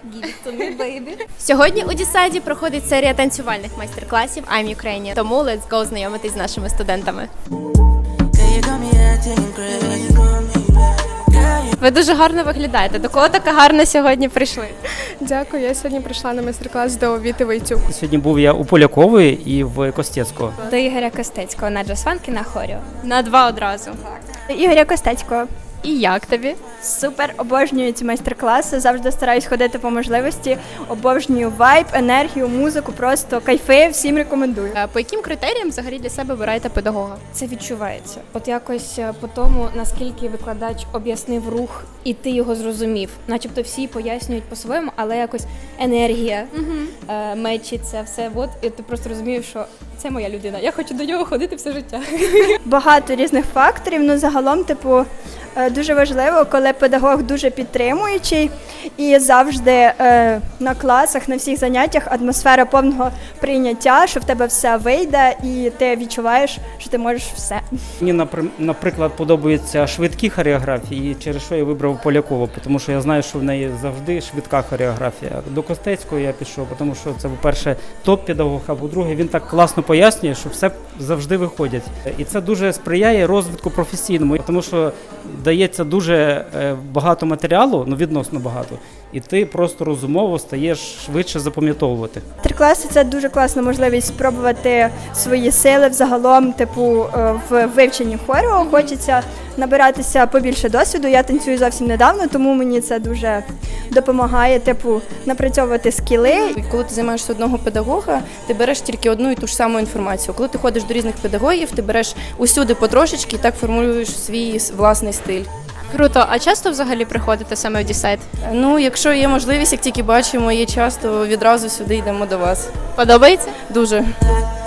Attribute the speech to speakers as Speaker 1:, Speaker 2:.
Speaker 1: Give it to me, baby.
Speaker 2: Сьогодні у Дісайді проходить серія танцювальних майстер-класів I'm Ukrainian. Тому let's go знайомитись з нашими студентами. Ви дуже гарно виглядаєте. До кого така гарна сьогодні прийшли?
Speaker 3: Дякую, я сьогодні прийшла на майстер-клас до Віти Войцюк.
Speaker 4: Сьогодні був я у Полякової і в Костецького.
Speaker 1: До Ігоря Костецького на джаз-фанки на хоріо.
Speaker 2: На два одразу.
Speaker 5: Ігоря Костецького.
Speaker 2: І як тобі?
Speaker 5: Супер, обожнюю ці майстер-класи, завжди стараюсь ходити по можливості, обожнюю вайб, енергію, музику, просто кайфи, всім рекомендую.
Speaker 2: По яким критеріям взагалі для себе обираєте педагога?
Speaker 1: Це відчувається. От якось по тому, наскільки викладач об'яснив рух, і ти його зрозумів. Начебто всі пояснюють по-своєму, але якось енергія мечиться, все. От, і ти просто розумієш, що це моя людина. Я хочу до нього ходити все життя.
Speaker 5: Багато різних факторів, ну загалом, дуже важливо, коли педагог дуже підтримуючий і завжди на класах, на всіх заняттях атмосфера повного прийняття, що в тебе все вийде і ти відчуваєш, що ти можеш все.
Speaker 4: Мені, наприклад, подобаються швидкі хореографії, і через що я вибрав Полякову, тому що я знаю, що в неї завжди швидка хореографія. До Костецького я пішов, тому що це, по-перше, топ-педагог, а по-друге, він так класно пояснює, що все завжди виходять. І це дуже сприяє розвитку професійному, тому що дається дуже багато матеріалу, ну відносно багато, і ти просто розумово стаєш швидше запам'ятовувати.
Speaker 5: Майстер-класи – це дуже класна можливість спробувати свої сили взагалом, в вивченні хору. Хочеться набиратися побільше досвіду. Я танцюю зовсім недавно, тому мені це дуже допомагає, напрацьовувати скіли.
Speaker 6: Коли ти займаєшся одного педагога, ти береш тільки одну і ту ж саму інформацію. Коли ти ходиш до різних педагогів, ти береш усюди потрошечки і так формуєш свій власний стиль.
Speaker 2: Круто. А часто взагалі приходите саме в Дісайд?
Speaker 6: Ну, якщо є можливість, як тільки бачимо, є час, то відразу сюди йдемо до вас.
Speaker 2: Подобається?
Speaker 6: Дуже.